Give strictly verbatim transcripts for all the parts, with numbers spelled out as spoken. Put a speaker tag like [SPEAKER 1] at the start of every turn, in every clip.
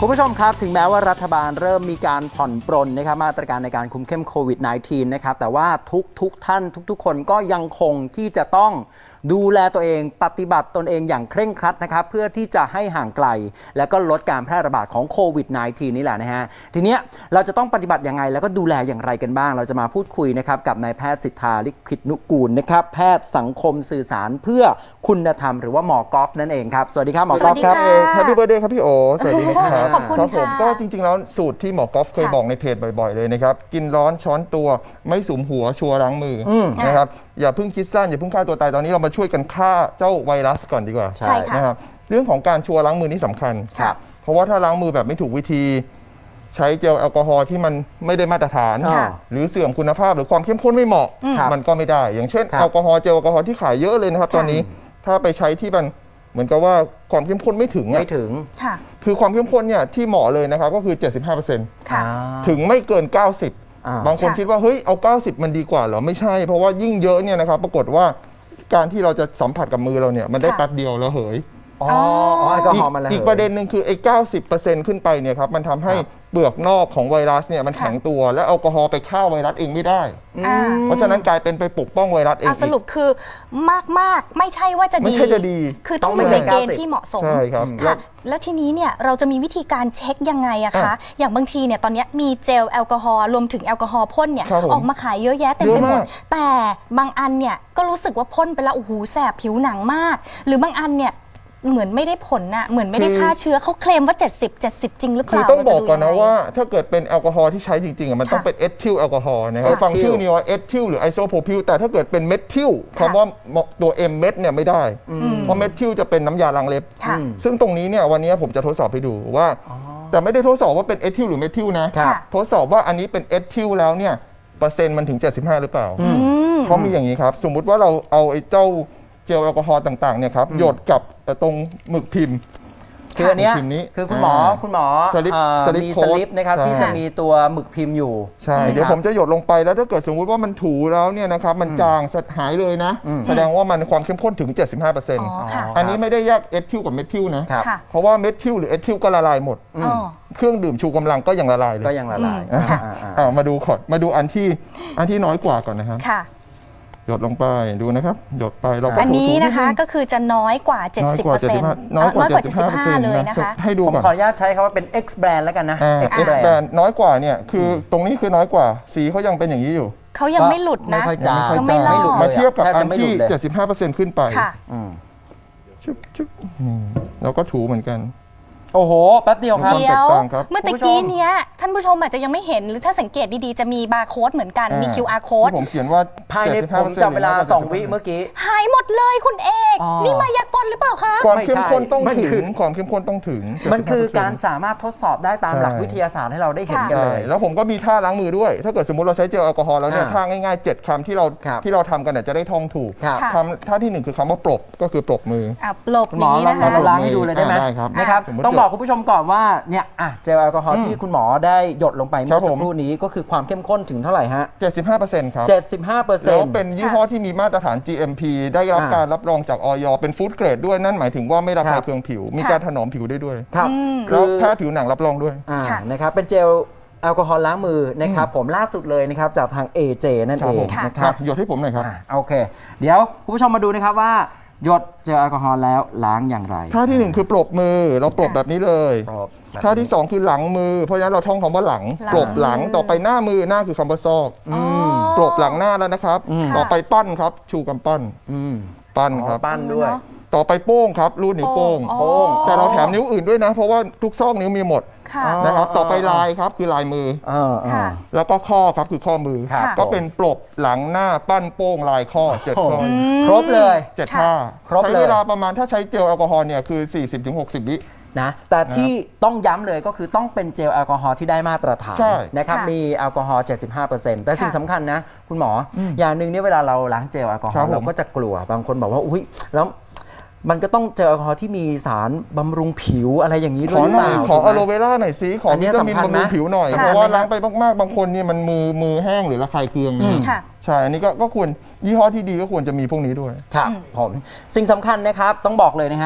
[SPEAKER 1] คุณผู้ชมครับถึงแม้ว่ารัฐบาลเริ่มมีการผ่อนปรนนะครับมาตรการในการคุมเข้มโควิด สิบเก้า นะครับแต่ว่าทุกทุกท่านทุกๆคนก็ยังคงที่จะต้องดูแลตัวเองปฏิบัติตนเองอย่างเคร่งครัดนะครับเพื่อที่จะให้ห่างไกลและก็ลดการแพร่ระบาดของโควิด สิบเก้า นี่แหละนะฮะทีเนี้ยเราจะต้องปฏิบัติยังไงแล้วก็ดูแลอย่างไรกันบ้างเราจะมาพูดคุยนะครับกับนายแพทย์สิทธาลิขิตนุกูลนะครับแพทย์สังคมสื่อสารเพื่อคุณธรรมหรือว่าหมอกอล์ฟนั่นเองครับสวัสดีครับหมอกอล์ฟครับ
[SPEAKER 2] แฮปปี้เบิร์ธเดย์ครับพี่โอสวัสดีครับ
[SPEAKER 3] ขอบคุณ
[SPEAKER 2] ครับผม
[SPEAKER 3] ค่ะ
[SPEAKER 2] ก็จริงๆแล้วสูตรที่หมอกอล์ฟเคยบอกในเพจบ่อยๆเลยนะครับกินร้อนช้อนตัวไม่สุมหัวชัวร์ล้างมือนะครับอย่าเพิ่งคิดสั้นอย่าเพิ่งฆ่าตัวตายตอนนี้เรามาช่วยกันฆ่าเจ้าไวรัสก่อนดีกว่า
[SPEAKER 3] ใช่ค่ะ
[SPEAKER 2] นะครับเรื่องของการชัวร์ล้างมือนี่สำคัญเพราะว่าถ้าล้างมือแบบไม่ถูกวิธีใช้เจลแอลกอฮอล์ที่มันไม่ได้มาตรฐานหรือเสื่อมคุณภาพหรือความเข้มข้นไม่เหมาะมันก็ไม่ได้อย่างเช่นแอลกอฮอล์เจลแอลกอฮอล์ที่ขายเยอะเลยนะครับตอนนี้ถ้าไปใช้ที่มันเหมือนกับว่าความเข้มข้นไม่ถึงไม่
[SPEAKER 1] ถึง
[SPEAKER 2] คือความเข้มข้นเนี่ยที่เหมาะเลยนะครับก็คือ เจ็ดสิบห้าเปอร์เซ็นต์ ถึงไม่เกินเก้าสิบบางคนคิดว่าเฮ้ยเอาเก้าสิบมันดีกว่าเหรอไม่ใช่เพราะว่ายิ่งเยอะเนี่ยนะครับปรากฏว่าการที่เราจะสัมผัสกับมือเราเนี่ยมันได้แป๊บเดียวแล้วเหย
[SPEAKER 1] อ๋อแอลกอฮอล์มันระเหย
[SPEAKER 2] อีกประเด็นหนึ่งคือไอ้เก้าสิบเปอร์เซ็นต์ขึ้นไปเนี่ยครับมันทำให้เปลือกนอกของไวรัสเนี่ยมันแข็งตัวและแอลกอฮอล์ไปฆ่าไวรัสเองไม่ได้เพราะฉะนั้นกลายเป็นไปปกป้องไวรัสเอง
[SPEAKER 3] สรุปคือมากมากไม่ใช่ว่าจะดี
[SPEAKER 2] ไม่ใช่จะดี
[SPEAKER 3] คือต้องอยู่ในเกณฑ์ที่เหมาะสม
[SPEAKER 2] ใช่ครับ
[SPEAKER 3] ค่ะแล้วทีนี้เนี่ยเราจะมีวิธีการเช็คยังไงอะคะอย่างบางทีเนี่ยตอนนี้มีเจลแอลกอฮอล์รวมถึงแอลกอฮอล์พ่นเนี่ยออกมาขายเยอะแยะเต็มไปหมดแต่บางอันเนี่ยก็รู้สึกว่าพ่นไปแล้วโอ้โหแสบผิวหนังมากหรือบางอันเนี่ยเหมือนไม่ได้ผลน่ะเหมือนไม่ได้ฆ่าเชื้อเขาเคลมว่าเจ็ดสิบ เจ็ดสิบจริงหรือเปล่า
[SPEAKER 2] คือต้องบอกก่อนนะว่าถ้าเกิดเป็นแอลกอฮอล์ที่ใช้จริงๆมันต้องเป็นเอทิลแอลกอฮอล์นะครับฟังชื่อนี้ว่าเอทิลหรือไอโซโพพิลแต่ถ้าเกิดเป็นเมทิลคำว่าตัว M เม็ดเนี่ยไม่ได้เพราะเมทิลจะเป็นน้ำยาล้างเล็บซึ่งตรงนี้เนี่ยวันนี้ผมจะทดสอบให้ดูว่าแต่ไม่ได้ทดสอบว่าเป็นเอทิลหรือเมทิลนะทดสอบว่าอันนี้เป็นเอทิลแล้วเนี่ยเปอร์เซ็นต์มันถึงเจ็ดสิบห้าหรือเปล่าเขามีอย่างนี้ครับสมมุติว่าเราเอาไอ้เจ้าเจลแอลกอฮอล์ต่างๆเนี่ยครับหยดกับตรงหมึกพิมพ์
[SPEAKER 1] คืออันนี้คือคุณหมอคุณหมอมีสลิปนะครับที่จะมีตัวหมึกพิมพ์อยู่
[SPEAKER 2] ใช่เดี๋ยวผมจะหยดลงไปแล้วถ้าเกิดสมมุติว่ามันถูแล้วเนี่ยนะครับมันจางหายเลยนะแสดงว่ามันความเข้มข้นถึง เจ็ดสิบห้าเปอร์เซ็นต์ อันนี้ไม่ได้แยกเอทิลกับเมทิลนะเพราะว่าเมทิลหรือเอทิลก็ละลายหมดเครื่องดื่มชูกำลังก็ยังละลายเลย
[SPEAKER 1] ก็ยังละลาย
[SPEAKER 2] มาดูก่อนมาดูอันที่อันที่น้อยกว่าก่อนนะครับหยดลงไปดูนะครับหยดไปเรา
[SPEAKER 3] อันนี้นะคะก็คือจะน้อยกว่า เจ็ดสิบเปอร์เซ็นต์ น้อยกว่า เจ็ดสิบห้า เลยนะคะ
[SPEAKER 2] ให้ดู
[SPEAKER 1] ก่อนผมขออนุญาตใช้คำว่าเป็น X brand แล้วกันนะ
[SPEAKER 2] X brand น้อยกว่าเนี่ยคือตรงนี้คือน้อยกว่าสีเขายังเป็นอย่างนี้อยู่
[SPEAKER 3] เขายังไม่หลุดนะ
[SPEAKER 2] ยังไม่หลุดมาเทียบกับอันที่ เจ็ดสิบห้าเปอร์เซ็นต์ ขึ้นไปชุบชุบแล้วก็ถูเหมือนกัน
[SPEAKER 1] โอ้โหแป๊บเดียวครับ
[SPEAKER 3] เดี๋ยวเมื่อตะกี้เนี้ยท่านผู้ชมอาจจะยังไม่เห็นหรือถ้าสังเกตดีๆจะมีบาร์โค้ดเหมือนกันมี คิว อาร์ โค้ด
[SPEAKER 2] ผมเขียนว่า
[SPEAKER 1] ภายในผมจับเวลาสองวิเมื่อกี้
[SPEAKER 3] หายหมดเลยคุณเอกนี่มายากลหรือเปล่าคะ
[SPEAKER 2] ความเข้มข้นต้องถึงความเข้มข้นต้องถึง
[SPEAKER 1] มันคือการสามารถทดสอบได้ตามหลักวิทยาศาสตร์ให้เราได้เห็นกันเลย
[SPEAKER 2] แล้วผมก็มีท่าล้างมือด้วยถ้าเกิดสมมติเราใช้เจลแอลกอฮอล์แล้วเนี่ยท่าง่ายๆเจ็ดคำที่เราที่เราทำกันเนี่ยจะได้ท่องถูกทำท่าที่หนึ่งคือคำว่าปรบก็คือปรบมือ
[SPEAKER 3] ปรบนี้นะคะ
[SPEAKER 1] เราล้างให้ดูเลยได้ไหมนะครับต้องบอกคุณผู้ชมก่อนว่าเนี่ยอ่ะเจลแอลกอฮอล์ที่คุณหมอได้หยดลงไปเมื่อสักครู่นี้ก็คือความเข้มข้นถึงเท่าไหร่ฮะ
[SPEAKER 2] เจ็ดสิบห้าเปอร์เซ็นต์ ครับ
[SPEAKER 1] เจ็ดสิบห้าเปอร์เซ็นต์
[SPEAKER 2] แล้วเป็นยี่ห้อที่มีมาตรฐาน จี เอ็ม พี ได้รับการรับรองจาก อย เป็นฟู้ดเกรดด้วยนั่นหมายถึงว่าไม่ระคายเคืองผิวมีการถนอมผิวได้ด้วย
[SPEAKER 1] ครับ
[SPEAKER 2] แล้วแพทย์ผิวหนังรับรองด้วย
[SPEAKER 1] นะครับเป็นเจลแอลกอฮอล์ล้างมือนะครับผมล่าสุดเลยนะครับจากทาง เอ เจ นั่นเองนะครับ
[SPEAKER 2] หยดให้ผมหน่อยครับ
[SPEAKER 1] โอเคเดี๋ยวคุณผู้ชมมาดูนะครับว่าหยดเจลแอลกอฮอล์แล้วล้างอย่างไร
[SPEAKER 2] ท่าที่หนึ่งคือปรบมือเราปรบแบบนี้เลยท่าที่สองคือหลังมือเพราะฉะนั้นเราท่องคำว่าหลังปรบหลังต่อไปหน้ามือหน้าคือคำว่าซอกปรบหลังหน้าแล้วนะครับต่อไปปั้นครับชูกำปั้นปั้นครับ
[SPEAKER 1] ปั้นด้วย
[SPEAKER 2] ต่อไปโป้งครับรูดนิ้วโป้งแต่เราแถมนิ้วอื่นด้วยนะเพราะว่าทุกซอกนิ้วมีหมดนะครับต่อไปลายครับคือลายมือแล้วก็ข้อครับคือข้อมือก็เป็นปรบหลังหน้าปั้นโป้งลายข้อเจ็ดข้อ
[SPEAKER 1] ครบเลย
[SPEAKER 2] เจ็ดท่าใช้เวลาประมาณถ้าใช้เจลแอลกอฮอล์เนี่ยคือ สี่สิบถึงหกสิบ วิ
[SPEAKER 1] นะแต่ที่ต้องย้ำเลยก็คือต้องเป็นเจลแอลกอฮอล์ที่ได้มาตรฐานนะครับมีแอลกอฮอล์ เจ็ดสิบห้าเปอร์เซ็นต์ แต่สิ่งสำคัญนะคุณหมออย่างหนึ่งเนี่ยเวลาเราล้างเจลแอลกอฮอล์เราก็จะกลัวบางคนบอกว่าอุ้ยแล้วมันก็ต้องเจลแอลกอฮอล์ที่มีสารบำรุงผิวอะไรอย่างนี้ด้วยหรือเปล่า
[SPEAKER 2] ขออะโลเวราหน่อยสิขอวิตามินบำรุงผิวหน่อยเพราะว่าล้างไปมากๆบางคนนี่มันมือมือแห้งหรือระคายเคืองใช่อันนี้ก็ควรยี่ห้อที่ดีก็ควรจะมีพวกนี้ด้วย
[SPEAKER 1] ครับผมสิ่งสำคัญนะครับต้องบอกเลยนะฮะ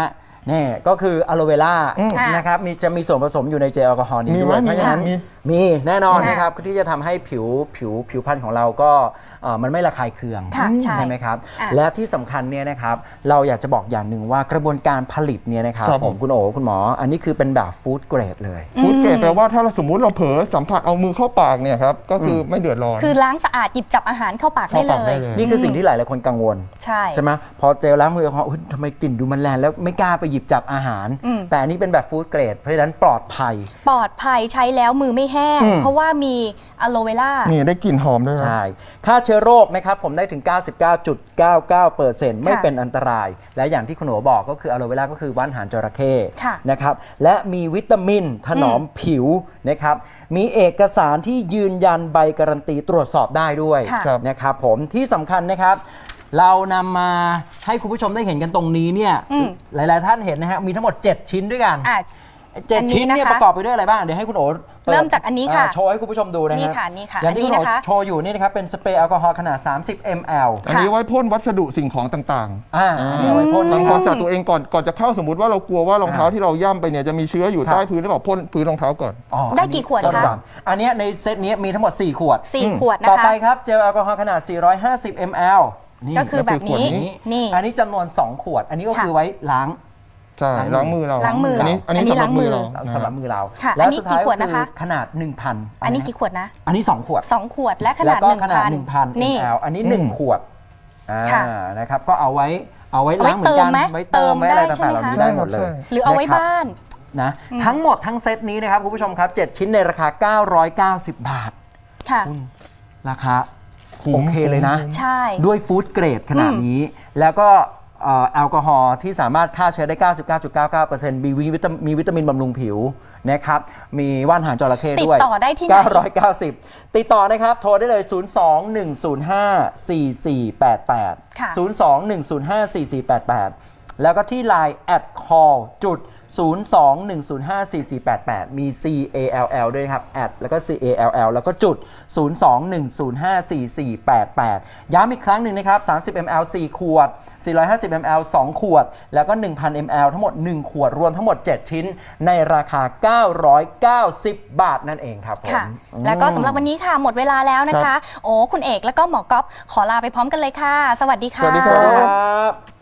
[SPEAKER 1] นี่ก็คืออะโลเวล่า
[SPEAKER 2] อืม
[SPEAKER 1] นะครับมีจะมีส่วนผสมอยู่ในเจลแอลกอฮอล์นี้
[SPEAKER 2] มี
[SPEAKER 1] ด้
[SPEAKER 2] ไหม
[SPEAKER 1] วยเพราะฉะนั้น
[SPEAKER 2] มี
[SPEAKER 1] มีแน่นอน
[SPEAKER 3] ค่ะ
[SPEAKER 1] นะครับที่จะทำให้ผิวผิวผิวพรรณของเราก็เอ่อมันไม่ระคายเคือง
[SPEAKER 3] ค่ะใช่
[SPEAKER 1] ไหมครับ
[SPEAKER 3] อ่ะ
[SPEAKER 1] และที่สำคัญเนี่ยนะครับเราอยากจะบอกอย่างหนึ่งว่ากระบวนการผลิตเนี่ยนะครับ
[SPEAKER 2] ครับ
[SPEAKER 1] ผมคุณโอ๋คุณหมอ อันนี้คือเป็นแบบฟู้ดเกรดเลย
[SPEAKER 2] ฟู้ดเกรดแปลว่าถ้าเราสมมุติเราเผลอสัมผัสเอามือเข้าปากเนี่ยครับก็คือไม่เดือดร้อน
[SPEAKER 3] คือล้างสะอาดหยิบจับอาหารเข้าปากได้
[SPEAKER 2] เข้า
[SPEAKER 3] เล
[SPEAKER 2] ปากได้
[SPEAKER 3] ย
[SPEAKER 2] เลย
[SPEAKER 1] นี่คือสิ่งที่หลายหลายๆคนกังวล
[SPEAKER 3] ใช่
[SPEAKER 1] ใช่ไหมพอเจลล้างมือแอลกอฮอล์อุ๊ยทำไมกลิ่นดูมันแรงแล้วไม่กล้าไปหยิบจับอาหาร
[SPEAKER 3] อืม
[SPEAKER 1] แต่อันนี้เป็นแบบฟู้ดเกรดเพราะฉะนั้นปลอดภัย
[SPEAKER 3] ปลอดภัยใช้แล้วมือไม่แห้ง
[SPEAKER 2] อืม
[SPEAKER 3] เพราะว่ามีอะโลเวล่า
[SPEAKER 2] นี่ได้กลิ่นหอมด้วยนะ
[SPEAKER 1] ใช่ฆ่าเชื้อโรคนะครับผมได้ถึง เก้าสิบเก้าจุดเก้าเก้าเปอร์เซ็นต์ ไม่
[SPEAKER 3] ค่ะ
[SPEAKER 1] เป็นอันตราย และอย่างที่คุณหนูบอกก็คืออะโลเวล่าก็คือว่านหางจระเข้
[SPEAKER 3] ค่ะ
[SPEAKER 1] นะครับและมีวิตามินถนอมผิวนะครับมีเอกสารที่ยืนยันใบการันตีตรวจสอบได้ด้วย
[SPEAKER 3] ค่ะ
[SPEAKER 2] ครับ
[SPEAKER 1] นะครับผมที่สำคัญนะครับ เรานำมาให้คุณผู้ชมได้เห็นกันตรงนี้เนี่ย
[SPEAKER 3] อืม
[SPEAKER 1] หลาย ๆ ท่านเห็นนะฮะมีทั้งหมด เจ็ด ชิ้นด้วยกัน
[SPEAKER 3] อ่ะ
[SPEAKER 1] เจ็ด
[SPEAKER 3] อันนี้
[SPEAKER 1] ชิ้นเนี่ย
[SPEAKER 3] นะคะ
[SPEAKER 1] ประกอบไปด้วยอะไรบ้าง เดี๋ยวให้คุณโอ๋ปิด
[SPEAKER 3] เริ่มจากอันนี้ค่ะ
[SPEAKER 1] าโชว์ให้คุณผู้ชมดูนะ
[SPEAKER 3] นี่
[SPEAKER 1] ฮะ
[SPEAKER 3] ค่ะนี่ค่ะ
[SPEAKER 1] อย่างที่
[SPEAKER 3] อัน
[SPEAKER 1] คุ
[SPEAKER 3] นี้
[SPEAKER 1] ณโอ๋
[SPEAKER 3] นะคะ
[SPEAKER 1] โชว์อยู่นี่นะครับเป็นสเปรย์แอลกอฮอล์ขนาด สามสิบมิลลิลิตร
[SPEAKER 2] อันนี้ไว้พ่นวัสดุสิ่งของต่างๆ
[SPEAKER 1] อ่าอันนี้เอาไว้พ่นนะค
[SPEAKER 2] ทำค
[SPEAKER 1] รั
[SPEAKER 2] วา
[SPEAKER 1] บ
[SPEAKER 2] มสะอาดตัวเองก่อนก่อนจะเข้าสมมติว่าเรากลัวว่ารองเท้า
[SPEAKER 1] อ่า
[SPEAKER 2] ที่เราย่ำไปเนี่ยจะมีเชื้ออยู่
[SPEAKER 1] ครับ
[SPEAKER 2] ใต้พื้นหรือเปล่าพ่นพื้นรองเท้าก่อน
[SPEAKER 1] อ๋อ
[SPEAKER 3] ได้กี่ขวด
[SPEAKER 1] พ่น
[SPEAKER 3] คะ
[SPEAKER 1] ก่อนอันเนี้ยในเซตนี้มีทั้งหมด สี่ ขวด
[SPEAKER 3] สี่
[SPEAKER 2] อืม
[SPEAKER 3] ขวดนะ
[SPEAKER 1] ต่อ
[SPEAKER 3] คะ
[SPEAKER 1] ไปครับเจลแอลกอฮอล์ขนาด สี่ร้อยห้าสิบมิลลิลิตร นี่
[SPEAKER 3] ก็คือแบบนี้
[SPEAKER 2] ก็คือขวดนี้
[SPEAKER 3] นี่
[SPEAKER 1] อันนี้จำนวน สอง ขวด อันนี้ก็
[SPEAKER 3] ค่ะ
[SPEAKER 1] คือไว้ล้าง
[SPEAKER 2] ใช่ล้างมือเรา
[SPEAKER 3] ล้างมือ
[SPEAKER 2] อันนี้อันนี้
[SPEAKER 3] อันนี้
[SPEAKER 2] สำหรับ
[SPEAKER 3] ล้างมื
[SPEAKER 2] มื
[SPEAKER 3] อ
[SPEAKER 2] อเรา
[SPEAKER 1] สำหรับมือเรา
[SPEAKER 3] ค่ะ
[SPEAKER 1] และ
[SPEAKER 3] อันนี้
[SPEAKER 1] สุดท้าย
[SPEAKER 3] กี่ขวดนะคะ
[SPEAKER 1] อขนาด หนึ่งพัน
[SPEAKER 3] อันนี้กี่ขวดนะ
[SPEAKER 1] อันนี้ สอง ขวด
[SPEAKER 3] สองขวดและข
[SPEAKER 1] แล้
[SPEAKER 3] นาด
[SPEAKER 1] วก็
[SPEAKER 3] หนึ่ง
[SPEAKER 1] ขนาด
[SPEAKER 3] พัน
[SPEAKER 1] หนึ่งพัน
[SPEAKER 3] นี่
[SPEAKER 1] มิลลิลิตร อันนี้หนึ่ง
[SPEAKER 2] อืม
[SPEAKER 1] ขวดอ่า
[SPEAKER 3] ค่ะ
[SPEAKER 1] นะครับก็เอาไว้เอาไว้
[SPEAKER 3] เอาไว้
[SPEAKER 1] ล้างเหมือนกัน
[SPEAKER 3] เติมไหม
[SPEAKER 1] ไว้เติมไว้อะไร
[SPEAKER 3] เติมได้ใช่
[SPEAKER 1] ต่างๆ
[SPEAKER 3] ไหม
[SPEAKER 1] เหล่านี้
[SPEAKER 3] คะ
[SPEAKER 1] ได้หมดเลย
[SPEAKER 3] หรือเอาไว้
[SPEAKER 1] นะครับ
[SPEAKER 3] บ้าน
[SPEAKER 1] นะทั้งหมดทั้งเซตนี้นะครับคุณผู้ชมครับ เจ็ด ชิ้นในราคา เก้าร้อยเก้าสิบ บาท
[SPEAKER 3] ค่ะ
[SPEAKER 1] ราคา
[SPEAKER 2] คุ้ม
[SPEAKER 1] โอเคเลยนะ
[SPEAKER 3] ใช่
[SPEAKER 1] ด้วยฟู้ดเกรดขนาดนี้ แล้วก็เอ่อแอลกอฮอล์ที่สามารถฆ่าเชื้อได้ เก้าสิบเก้าจุดเก้าเก้าเปอร์เซ็นต์ มีวิตามินมีวิตามินบำรุงผิวนะครับ มีว่านหางจระเข้ด้วย
[SPEAKER 3] ติดต่อได้ที่ไหน
[SPEAKER 1] เก้าร้อยเก้าสิบ ติดต่อนะครับ โทรได้เลย ศูนย์ สอง หนึ่ง ศูนย์ ห้า สี่ สี่ แปด แปด
[SPEAKER 3] ค่ะ
[SPEAKER 1] ศูนย์ สอง หนึ่ง ศูนย์ ห้า สี่ สี่ แปด แปด แล้วก็ที่ ไลน์ แอท call จุด ศูนย์ สอง หนึ่ง ศูนย์ ห้า สี่ สี่ แปด แปด มี ซี เอ แอล แอล ด้วยครับ แอดแล้วก็ ซี เอ แอล แอล แล้วก็จุด ศูนย์ สอง หนึ่ง ศูนย์ ห้า สี่ สี่ แปด แปด ย้ำอีกครั้งหนึ่งนะครับ สามสิบมิลลิลิตร สี่ ขวด สี่ร้อยห้าสิบมิลลิลิตร สอง ขวด แล้วก็ หนึ่งพันมิลลิลิตร ทั้งหมด หนึ่ง ขวด รวมทั้งหมด เจ็ด ชิ้น ในราคา เก้าร้อยเก้าสิบ บาทนั่นเองครับผม
[SPEAKER 3] ค่ะ แล้วก็สำหรับวันนี้ค่ะ หมดเวลาแล้วนะ
[SPEAKER 2] ครั
[SPEAKER 3] คะ
[SPEAKER 2] บ
[SPEAKER 3] โอ้คุณเอกแล้วก็หมอก๊อฟขอลาไปพร้อมกันเลยค่ะ สวัสดีค่ะ
[SPEAKER 2] สวัสดี
[SPEAKER 1] สวัสดีครับ